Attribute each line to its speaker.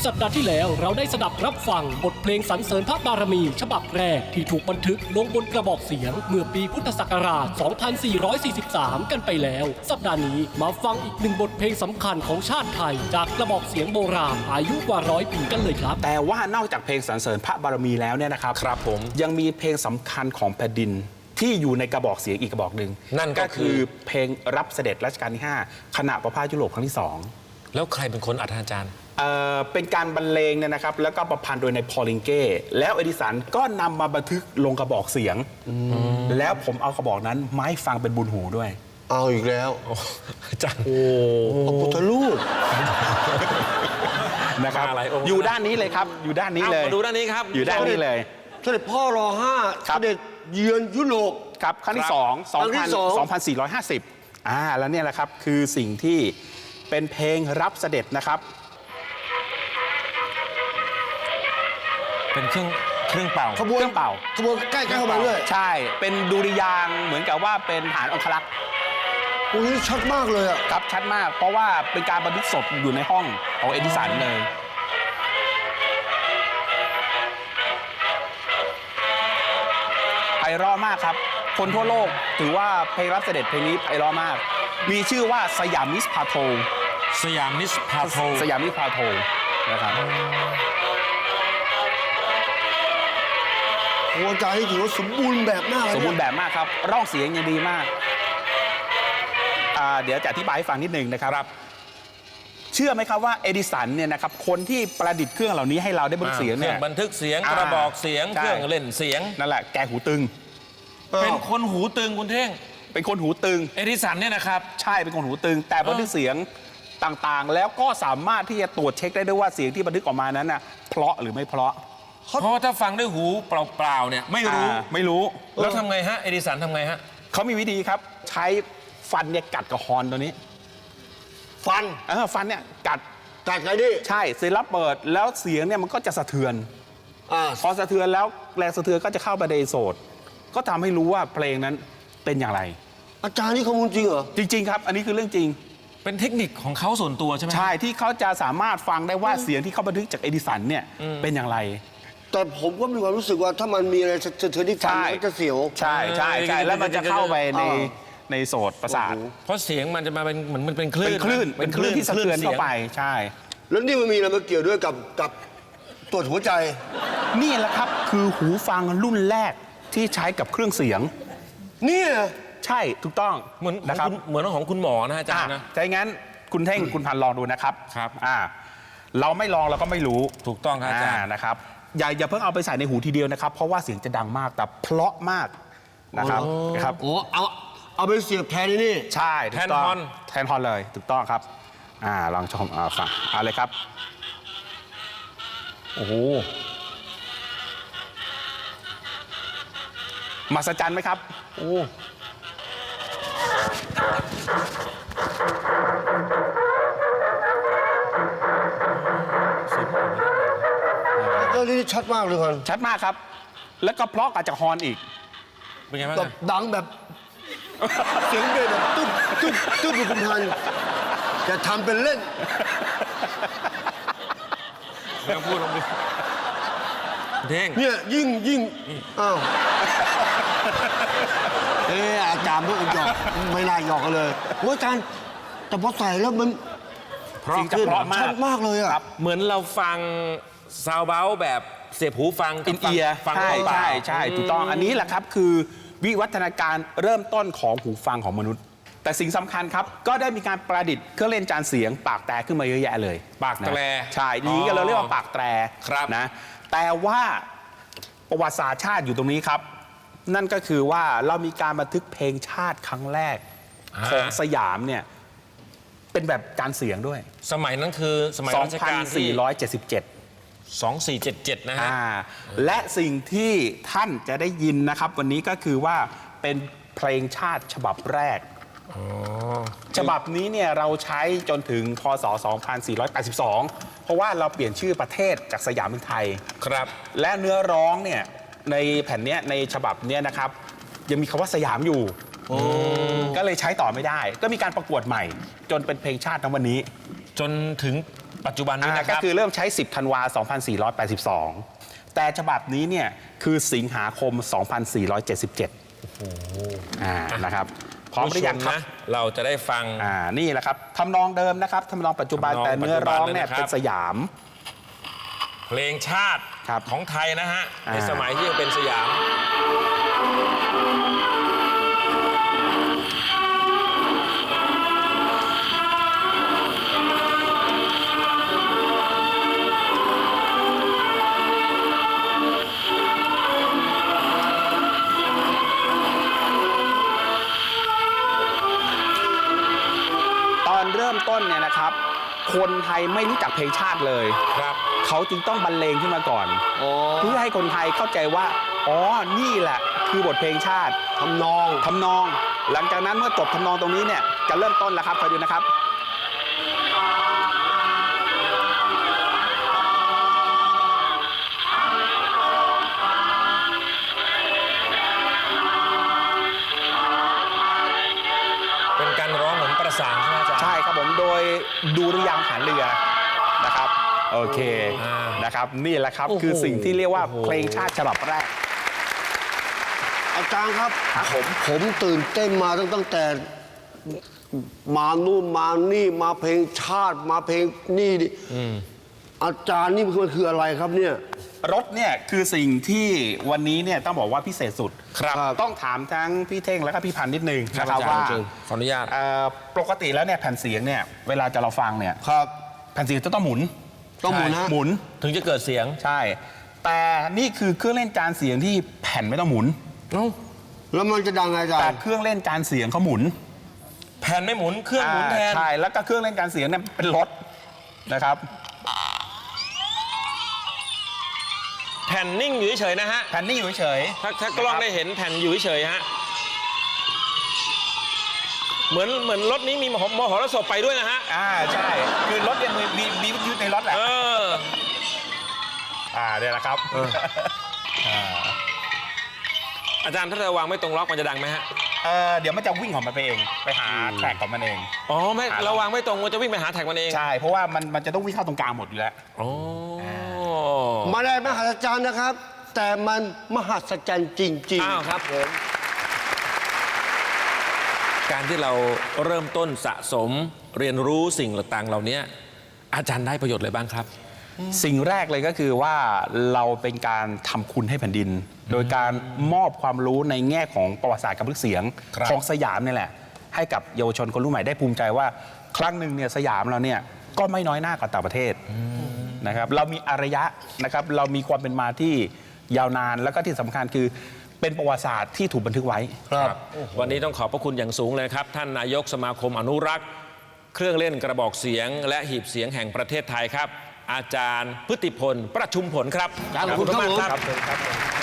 Speaker 1: สัปดาห์ที่แล้วเราได้สดับรับฟังบทเพลงสรรเสริญพระบารมีฉบับแรกที่ถูกบันทึกลงบนกระบอกเสียงเมื่อปีพุทธศักราช 2443 กันไปแล้ว สัปดาห์นี้มาฟังอีกหนึ่งบทเพลงสำคัญของชาติไทยจากกระบอกเสียงโบราณอายุกว่า100 ปีกันเลยครับ
Speaker 2: แต่ว่านอกจากเพลงสรรเสริญพระบารมีแล้วเนี่ยนะครับ
Speaker 3: ครับผม
Speaker 2: ยังมีเพลงสำคัญของแผ่นดินที่อยู่ในกระบอกเสียงอีกกระบอกหนึ่ง
Speaker 3: นั่นก็คือ
Speaker 2: เพลงรับเสด็จรัชกาลที่ 5 ขณะประพาสยุโรปครั้งที่ 2
Speaker 3: แล้วใครเป็นคนอัดอาจารย์
Speaker 2: เป็นการบรรเลงเนี่ยนะครับแล้วก็ประพันธ์โดยในพอลิงเก้แล้วเอดิสันก็นำมาบันทึกลงกระบอกเสียงแล้วผมเอากระบอกนั้นมาให้ฟังเป็นบุญหูด้วย
Speaker 4: เอาอีกแล้ว
Speaker 3: อาจารย์
Speaker 4: โอ้พระพุทธรูป
Speaker 2: นะครับอยู่ด้านนี้เลยครับอยู่ด้านนี้เลย
Speaker 3: มาดูด้านนี้ครับ
Speaker 2: อยู่ด้านนี้เลย
Speaker 4: เสด็จพ่อร.5 เสด็จเยือนยุโรป
Speaker 2: ครับครั้งที่2450แล้วเนี่ยแหละครับคือสิ่งที่เป็นเพลงรับเสด็จนะครับ
Speaker 3: เป็นเครื่องเป่า
Speaker 4: ขบวนใกล้เข้ามาด้วย
Speaker 2: ใช่เป็นดุริยางค์เหมือนกับว่าเป็นฐานองครักษ์
Speaker 4: โอ้ยชัดมากเลยอ่ะ
Speaker 2: ครับชัดมากเพราะว่าเป็นการบันทึกศพอยู่ในห้องของเอดิสันเลยไพเราะมากครับคนทั่วโลกถือว่าเพลงรับเสด็จเพลงนี้ไพเราะมากมีชื่อว่าสยามมิสพาโท
Speaker 3: สยามมิสพาโท
Speaker 2: นะครับ
Speaker 4: โอ้อาจารย์นี่ถือว่าสมบูรณ์แบบมาก
Speaker 2: สมบูรณ์แบบมากครับร่องเสียงยังดีมากเดี๋ยวจะอธิบายให้ฟังนิดนึงนะครับเชื่อไหมครับว่าเอดิสันเนี่ยนะครับคนที่ประดิษฐ์เครื่องเหล่านี้ให้เราได้บันทึกเสียงเนี่ย
Speaker 3: บันทึกเสียงกระบอกเสียงเครื่องเล่นเสียง
Speaker 2: นั่นแหละแกหูตึง
Speaker 3: เป็นคนหูตึงคุณเท่ง
Speaker 2: เป็นคนหูตึง
Speaker 3: เอดิสันเนี่ยนะครับ
Speaker 2: ใช่เป็นคนหูตึงแต่บันทึกเสียงต่างๆแล้วก็สามารถที่จะตรวจเช็คได้ด้วยว่าเสียงที่บันทึกออกมานั้นน่ะเพราะหรือไม่เพราะ
Speaker 3: เพราะถ้าฟังด้วยหูเปล่าๆเนี่ยไม่รู้แล้วทำไงฮะเอดิสันทำไงฮะ
Speaker 2: เขามีวิธีครับใช้ฟันเนี่ยกัดกับฮอร์นตัวนี้
Speaker 4: ฟัน
Speaker 2: เนี่ยกัด
Speaker 4: ไงดิ
Speaker 2: ใช่เสร็จแล้วเปิดแล้วเสียงเนี่ยมันก็จะสะเทือนพอสะเทือนแล้วแรงสะเทือนก็จะเข้าไปในโสดก็ทำให้รู้ว่าเพลงนั้นเป็นอย่างไร
Speaker 4: อาจารย์นี่ข้อมูลจริงเหรอ
Speaker 2: จริงๆครับอันนี้คือเรื่องจริง
Speaker 3: เป็นเทคนิคของเขาส่วนตัวใช่ไหม
Speaker 2: ใช่ที่เขาจะสามารถฟังได้ว่าเสียงที่เขาบันทึกจากเอดิสันเนี่ยเป็นอย่างไร
Speaker 4: แต่ผมก็มีความรู้สึกว่าถ้ามันมีอะไรสะเทือนที่ฟังมันจะเสียว
Speaker 2: ใช่แล้วมันจะเข้าไปในโสตประสาท
Speaker 3: เพราะเสียงมันจะมาเป็นเหมือนมันเป็นคลื่
Speaker 2: นที่สะเทือนเข้าไปใช่
Speaker 4: แล้วนี่มันมีอะไรมาเกี่ยวด้วยกับตรวจหัวใจ
Speaker 2: นี่แหละครับคือหูฟังรุ่นแรกที่ใช้กับเครื่องเสียง
Speaker 4: นี่
Speaker 2: ใช่ถูกต้อง
Speaker 3: เหมือนของคุณหมอนะอาจารย์นะ
Speaker 2: ใช่งั้นคุณเท่งคุณพันลองดูนะครับ
Speaker 3: ครับ
Speaker 2: เราไม่ลองเราก็ไม่รู้
Speaker 3: ถูกต้องครับอาจารย์
Speaker 2: นะครับอย่าเพิ่งเอาไปใส่ในหูทีเดียวนะครับเพราะว่าเสียงจะดังมากแต่เพราะมากนะครับ
Speaker 4: โอ้เอาไปเสียบแทนนี่
Speaker 2: ใช่แทนฮอนเลยถูกต้องครับลองชมฟังเลยครับโอ้โหมหัศจรรย์ไหมครับโอ้
Speaker 4: นี่ชัดมากเลยครับ
Speaker 2: ชัดมากครับแล้วก็เพราะกับจากฮอนอีก
Speaker 3: เป็นไงบ้าง
Speaker 4: ดังแบบเสียงเบสแบบตุ๊บอยู่คุณพันจะทำเป็นเล่น
Speaker 3: ไม่ต้องพูดลงไปเด้ง
Speaker 4: เนี่ยยิ่งอาจารย์พวกหยอกไม่น่าหยอกกันเลยว่าอาจารย์แต่พอใส่แล้วมัน
Speaker 2: เพราะ
Speaker 4: ชัดมากเลยอ่ะ
Speaker 3: เหมือนเราฟังซาวเบาแบบเสียบหูฟัง
Speaker 2: อินเอียร์
Speaker 3: ฟัง
Speaker 2: ใช่ถูกต้องอันนี้แหละครับคือวิวัฒนาการเริ่มต้นของหูฟังของมนุษย์แต่สิ่งสำคัญครับก็ได้มีการประดิษฐ์เครื่องเล่นจานเสียงปากแตรขึ้นมาเยอะแยะเลย
Speaker 3: ปากแตร
Speaker 2: ใช่นี้ก็เราเรียกว่าปากแตรนะแต่ว่าประวัติศาสตร์ชาติอยู่ตรงนี้ครับนั่นก็คือว่าเรามีการบันทึกเพลงชาติครั้งแรกของสยามเนี่ยเป็นแบบการเสียงด้วย
Speaker 3: สมัยนั้นคือสมัยรัชกาลที่2477นะฮะ
Speaker 2: และสิ่งที่ท่านจะได้ยินนะครับวันนี้ก็คือว่าเป็นเพลงชาติฉบับแรกฉบับนี้เนี่ยเราใช้จนถึงพ.ศ. 2482เพราะว่าเราเปลี่ยนชื่อประเทศจากสยามเป็นไทย
Speaker 3: ครับ
Speaker 2: และเนื้อร้องเนี่ยในแผ่นนี้ในฉบับนี้นะครับยังมีคำว่าสยามอยู่ก็เลยใช้ต่อไม่ได้ก็มีการประกวดใหม่จนเป็นเพลงชาติในวันนี้
Speaker 3: จนถึงปัจจุบันนี้นะค
Speaker 2: ก็
Speaker 3: รับ
Speaker 2: คือเริ่มใช้ 10 ธันวา 2482 แต่ฉบับนี้เนี่ยคือสิงหาคม 2477นะครับพร้อมหรือยังครับ
Speaker 3: เราจะได้ฟัง
Speaker 2: นี่แหละครับทำนองเดิมนะครับทำนองปัจจุบัน
Speaker 3: ทำนอง
Speaker 2: แต่เนื้อร้องเนี่ย
Speaker 3: ปัจจุบันเลยนะครับ
Speaker 2: เป็นสยาม
Speaker 3: เพลงชาติ
Speaker 2: ครับ
Speaker 3: ของไทยนะฮะ ใน
Speaker 2: อ่า
Speaker 3: สมัยที่ยังเป็นสยาม
Speaker 2: ตอนเริ่มต้นเนี่ยนะครับ คนไทยไม่รู้จักเพลงชาติเลย
Speaker 3: ครับ
Speaker 2: เขาจึงต้องบรรเลงขึ้นมาก่อน
Speaker 4: อ๋อ
Speaker 2: เพื่อให้คนไทยเข้าใจว่าอ๋อนี่แหละคือบทเพลงชาติ
Speaker 4: ทำนอง
Speaker 2: ทำนอง หลังจากนั้นเมื่อจบทำนองตรงนี้เนี่ยจะเริ่มต้นแล้วครับคอยดูนะครับ
Speaker 3: เป็นการร้องเหมือนประสานใช่ไหมอาจารย์
Speaker 2: ใช่ครับผมโดยดูริยางค์ฐานเรือนะครับโอเค
Speaker 3: อ่าน
Speaker 2: นะครับนี่แหละครับ
Speaker 4: โอ้โห
Speaker 2: คือสิ่งที่เรียกว่าเพลงชาติฉบับแรก
Speaker 4: อาจารย์ครับ
Speaker 2: ครับผม
Speaker 4: ผมตื่นเต้นมาตั้งแต่มานู่นมานี่มาเพลงชาติมาเพลงนี่ดิอาจารย์นี่มันคืออะไรครับเนี่ย
Speaker 2: รถเนี่ยคือสิ่งที่วันนี้เนี่ยต้องบอกว่าพิเศษสุด
Speaker 3: ครับ
Speaker 2: ต้องถามทั้งพี่เท่งและก็พี่พันธุ์นิดนึง
Speaker 3: ครับ
Speaker 2: นะครับ
Speaker 3: อาจารย์
Speaker 2: ว่า
Speaker 3: เชิญขออนุญาต
Speaker 2: ปกติแล้วเนี่ยแผ่นเสียงเนี่ยเวลาจะเราฟังเนี่ย
Speaker 4: ครับ
Speaker 2: แผ่นเสียงจะต้องหมุน
Speaker 4: ต้องหมุนฮะ
Speaker 2: หมุน
Speaker 3: ถึงจะเกิดเสียง
Speaker 2: ใช่ แต่นี่คือเครื่องเล่นจานเสียงที่แผ่นไม่ต้องหมุน
Speaker 4: แล้วมันจะดังไงอาจาร
Speaker 2: แต่
Speaker 4: ย์
Speaker 2: เครื่องเล่นจานเสียงเขาหมุน
Speaker 3: แผ่นไม่หมุน เครื่องหมุนแทน
Speaker 2: ใช่แล้วก็เครื่องเล่นจานเสียงเนี่ยเป็นรถนะครับ
Speaker 3: แผ่นนิ่งอยู่เฉยๆนะฮะ
Speaker 2: แผ่นนี่อยู่เฉย
Speaker 3: ถ้ากล้องได้เห็นแผ่นอยู่เฉยๆฮะ เหมือนรถนี้มีมหรสพไปด้วยนะฮะ
Speaker 2: ใช่คือรถเนี่ยมีวิทยุในรถแหละ
Speaker 3: เออ
Speaker 2: เนี่ยแหละครับ
Speaker 3: อาจารย์ถ้าเราวางไม่ตรงล็อกมันจะดังไหมฮะ
Speaker 2: เดี๋ยวมันจะวิ่งของมันไปเองไปหาแทร็กของมันเอง
Speaker 3: อ๋อไม่เราวางไม่ตรงมันจะวิ่งไปหาแท็กมันเอง
Speaker 2: ใช่เพราะว่ามันจะต้องวิ่งเข้าตรงกลางหมดอยู่แล้ว
Speaker 3: อ๋อ
Speaker 4: มาได้มหัศจรรย์นะครับ แต่มันมหัศจรรย์จริง
Speaker 3: อ้าวครับผม การที่เราเริ่มต้นสะสมเรียนรู้สิ่งต่างๆเหล่านี้อาจารย์ได้ประโยชน์อะไรบ้างครับ
Speaker 2: สิ่งแรกเลยก็คือว่าเราเป็นการทำคุณให้แผ่นดิน โดยการมอบความรู้ในแง่ของประวัติศาสตร์การบันทึกเสียง
Speaker 3: ครับ
Speaker 2: ของสยามนี่แหละ ให้กับเยาวชนคนรุ่นใหม่ได้ภูมิใจว่า ครั้งหนึ่งเนี่ยสยามเราเนี่ยก็ไม่น้อยหน้ากว่าต่างประเทศนะครับเรามีอารยะนะครับเรามีความเป็นมาที่ยาวนานแล้วก็ที่สำคัญคือเป็นประวัติศาสตร์ที่ถูกบันทึกไว้
Speaker 3: ครับวันนี้ต้องขอบพระคุณอย่างสูงเลยครับ ท่านนายกสมาคมอนุรักษ์ เครื่องเล่นกระบอกเสียง และหีบเสียงแห่งประเทศไทยครับ อาจารย์พฤติพลประชุมผลครับ
Speaker 4: ขอบคุณครับ
Speaker 3: มาก
Speaker 4: ผม
Speaker 3: ครับ